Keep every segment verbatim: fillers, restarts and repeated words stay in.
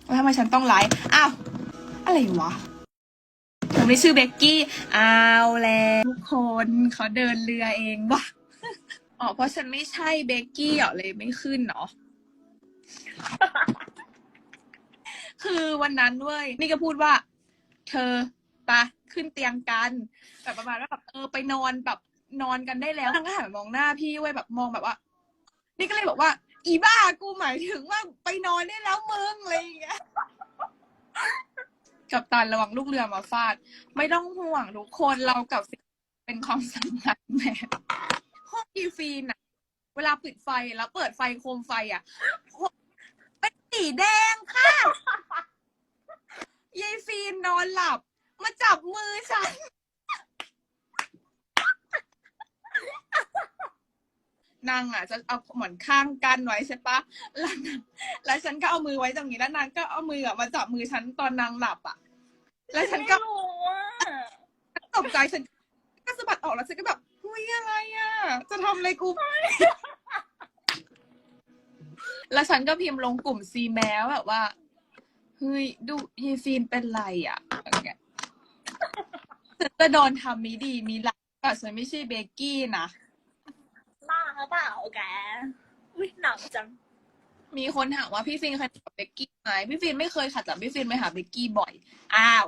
แล้วทำไมฉันต้องไลฟ์อ้าวอะไรวะเธอไม่ชื่อเบกกี้เอาแล้วทุกคนเขาเดินเรือเองวะอ๋อเพราะฉันไม่ใช่เบกกี้เหรอเลยไม่ขึ้นเนาะ คือวันนั้นเว้ยนี่ก็พูดว่า เธอปะขึ้นเตียงกันแบบประมาณว่าแบบเออไปนอนแบบนอนกันได้แล้วนางก็หันมองหน้าพี่เว้ยแบบมองแบบว่า นี่ก็เลยบอกว่า อีบ้ากูหมายถึงว่าไปนอนได้แล้วมึงอะไรอย่างเงี้ยกับตันระวังลูกเรือมาฟาด ไม่ต้องห่วงทุกคนเรากับฟินเป็นความสัมพันธ์แบบห้องกีฟีนอะเวลาปิดไฟแล้วเปิดไฟโคมไฟอะเป็นสีแดงค่ะยายฟีนนอนหลับ มาจับมือฉันนางอ่ะจะเอาหมอนข้างกันไว้ใช่ปะแล้วแล้วฉันก็เอามือไว้ตรงนี้แล้วนางก็เอามืออ่ะมาจับมือฉันตอนนางหลับอ่ะแล้วฉันก็ตกใจฉันก็สะบัดออกแล้วฉันก็แบบเฮ้ยอะไรอ่ะจะทำอะไรกูแล้วฉันก็พิมพ์ลงกลุ่มซีแมวแบบว่าเฮ้ยดูยีฟีนเป็นไรอ่ะอะไรเงี้ยฉันจะโดนทำมีดีมีร้ายแต่ฉันไม่ใช่เบกกี้นะบ้าเปล่าแกอุ้ยหนักจังมีคนถามว่าพี่ฟินเคยขับเบกกี้ไหมพี่ฟินไม่เคยขับแต่พี่ฟินไปหาเบกกี้บ่อยอ้าว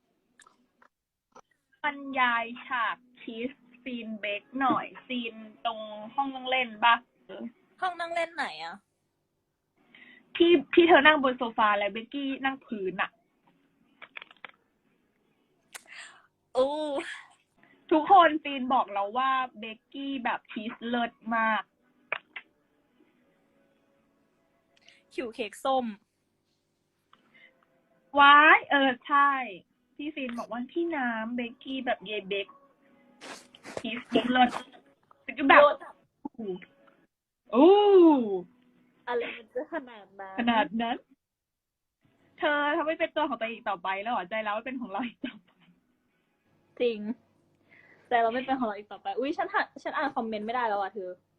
บรรยายฉากคิสซีนเบกหน่อยซีนตรงห้องนั่งเล่นปะห้องนั่งเล่นไหนอ่ะที่ที่เธอนั่งบนโซฟาแล้วเบกกี้นั่งพื้นอะโอ้ทุกคนซีนบอกเราว่าเบกกี้แบบคิสเลิศมากคิวเค้กส้มว้ายเออใช่พี่ฟินบอกว่าพี่น้ำเบกกี้แบบเยเบกคิสเลิศก็แบบโอ้อะไรมันจะขนาดนั้นขนาดนั้น เธอทำไม่เป็นตัวของตัวเองต่อไปแล้วเหรอใจเราไม่เป็นของเราอีกต่อไปจริงแต่เราไม่เป็นของเราอีกต่อไปอุ้ยฉันฉันอ่านคอมเมนต์ไม่ได้แล้วอ่ะเธอ